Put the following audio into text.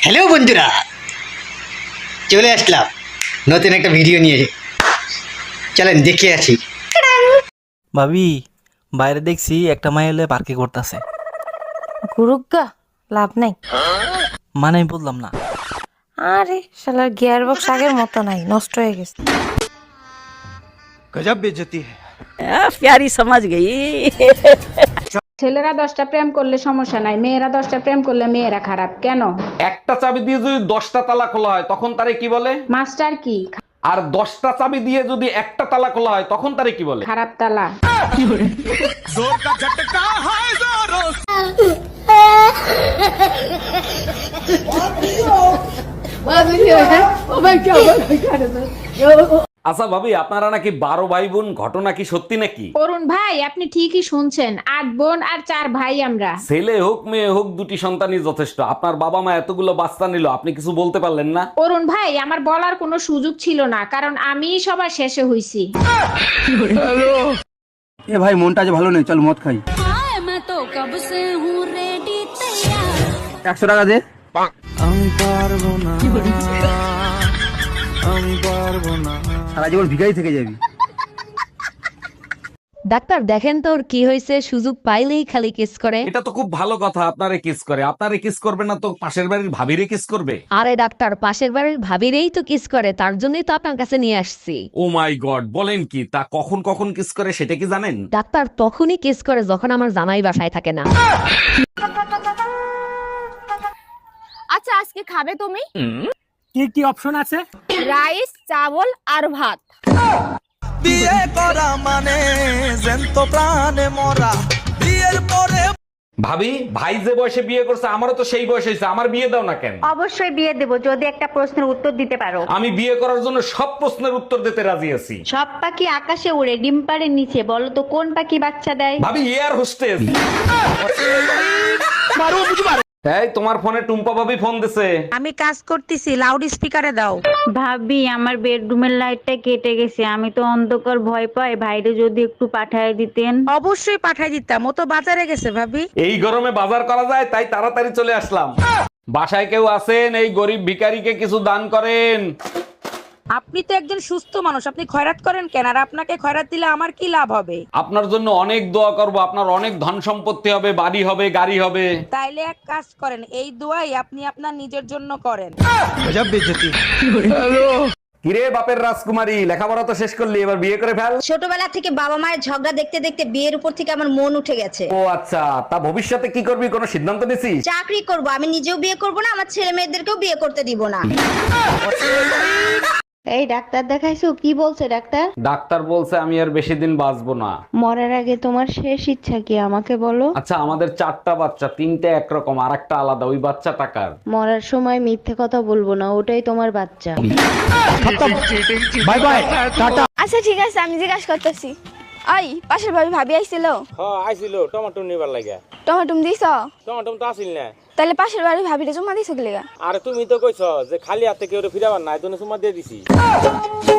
Hello বন্ধুরা, চলে আসলাম নতুন একটা ভিডিও নিয়ে। চলেন দেখে আসি। ভাবি, বাইরে দেখছি একটা মাই এলে পার্কে করতেছে। গুরুগা লাভ নাই। মানে আমি বললাম না। আরে শালার গিয়ার বক্স আগের মতো নাই, নষ্ট হয়ে গেছে। गजब बेइज्जती है। प्यारी समझ गई। ছেলেরা 10টা প্রেম করলে সমস্যা নাই, মেয়েরা 10টা প্রেম করলে মেয়েরা খারাপ কেন? একটা চাবি দিয়ে যদি 10টা তালা খোলা হয় তখন তারে কি বলে? মাস্টার কি? আর 10টা চাবি দিয়ে যদি একটা তালা খোলা হয় তখন তারে কি বলে? খারাপ তালা। जोर का झटका है जोरों আচ্ছা ভাবি, আপনারা নাকি 12 ভাই বোন, ঘটনা কি সত্যি নাকি? অরুণ ভাই, আপনি ঠিকই শুনছেন, 8 বোন আর 4 ভাই আমরা। ছেলে হোক মেয়ে হোক, দুটি সন্তানই যথেষ্ট। আপনার বাবা মা এতগুলো বাচ্চা নিল, আপনি কিছু বলতে পারলেন না? অরুণ ভাই, আমার বলার কোনো সুযোগ ছিল না, কারণ আমিই সবার শেষে হইছি। এ ভাই মনটা আজ ভালো নেই, চল মদ খাই। 100 টাকা দে। সারা জীবন ভিখারি থেকে যাবি। ডাক্তার দেখেন তো ওর কি হয়েছে, সুযোগ পাইলেই খালি কিস করে। এটা তো খুব ভালো কথা, আপনারে কিস করে। আপনারে কিস করবে না তো পাশের বাড়ির ভাবিরে কিস করবে? আরে ডাক্তার, পাশের বাড়ির ভাবিরেই তো কিস করে, তার জন্যই তো আপনার কাছে নিয়ে আসছি। ও মাই গড, বলেন কি? তা কখন কখন কিস করে সেটা কি জানেন? ডাক্তার তখনই কিস করে যখন আমার জামাই বাসায় থাকে না। আচ্ছা, আজকে খাবে তুমি? কি কি অপশন আছে? রাইস, চাবল আর ভাত। বিয়ে করা মানে জ্যান্ত প্রাণে মরা। বিয়ের পরে ভাবি, ভাই যে বয়সে বিয়ে করছে আমারও তো সেই বয়স হয়েছে, আমার বিয়ে দাও না কেন? অবশ্যই বিয়ে দেব যদি একটা প্রশ্নের উত্তর দিতে পারো। আমি বিয়ে করার জন্য সব প্রশ্নের উত্তর দিতে রাজি আছি। সব পাখি আকাশে উড়ে, ডিম পাড়ের নিচে, বলো তো কোন পাখি বাচ্চা দেয়? ভাবি, এয়ার হোস্টেস। এই তোমার ফোনে টুম্পা ভাবি ফোন দিছে। আমি কাজ করতেছি, লাউড স্পিকারে দাও। ভাবি, আমার বেডরুমের লাইটটা কেটে গেছে, আমি তো অন্ধকার ভয় পাই, ভাইরে যদি একটু পাঠায় দিতেন। অবশ্যই পাঠাই দিতাম, ও তো বাজারে গেছে ভাবি। এই গরমে বাজার করা যায়, তাই তাড়াতাড়ি চলে আসলাম। বাসায় কেউ আছেন? এই গরিব ভিখারিকে কিছু দান করেন। আপনি তো একজন সুস্থ মানুষ, আপনি খয়রাত করেন কেন? আর আপনাকে খয়রাত দিলে আমার কি লাভ হবে? আপনার জন্য অনেক দোয়া করব, আপনার অনেক ধন সম্পত্তি হবে, বাড়ি হবে, গাড়ি হবে। তাইলে এক কাজ করেন, এই দোয়াই আপনি আপনার নিজের জন্য করেন। गजब बेइज्जती। কিরে বাপের রাজকুমারী, লেখাপড়া তো শেষ করলি, এবার বিয়ে করে ফেল। ছোটবেলা থেকে বাবা মায়ের ঝগড়া দেখতে দেখতে বিয়ের উপর থেকে আমার মন উঠে গেছে। ও আচ্ছা, তা ভবিষ্যতে কি করবি, কোনো সিদ্ধান্ত নিছিস? চাকরি করব, আমি নিজেও বিয়ে করব না, আমার ছেলে মেয়েদেরকেও বিয়ে করতে দিব না। এই ডাক্তার দেখাইছো? কি বলছে ডাক্তার? ডাক্তার বলছে আমি আর বেশি দিন বাঁচবো না। মরার আগে তোমার শেষ ইচ্ছা কি আমাকে বলো? আচ্ছা, আমাদের 4টা বাচ্চা, 3টে একরকম আর একটা আলাদা, ওই বাচ্চা টাকার। মরার সময় মিথ্যে কথা বলবো না, ওটাই তোমার বাচ্চা। Bye bye, tata. আচ্ছা ঠিক আছে, আমি জিজ্ঞাসা করতেছি। আই, পাশের ভাবি আইছিল? হ্যাঁ আইছিল, টমেটো নিবার লাগে। টমেটো দিছ? টমেটো তো আসিল না। তাহলে পাশের বাড়ির ভাবিরে জমা দিছ কি লাগা? আরে তুমি তো কইছ যে খালি হাতে কেউ ফিরাবার নাই, তুমি সুমা দিয়ে দিছি।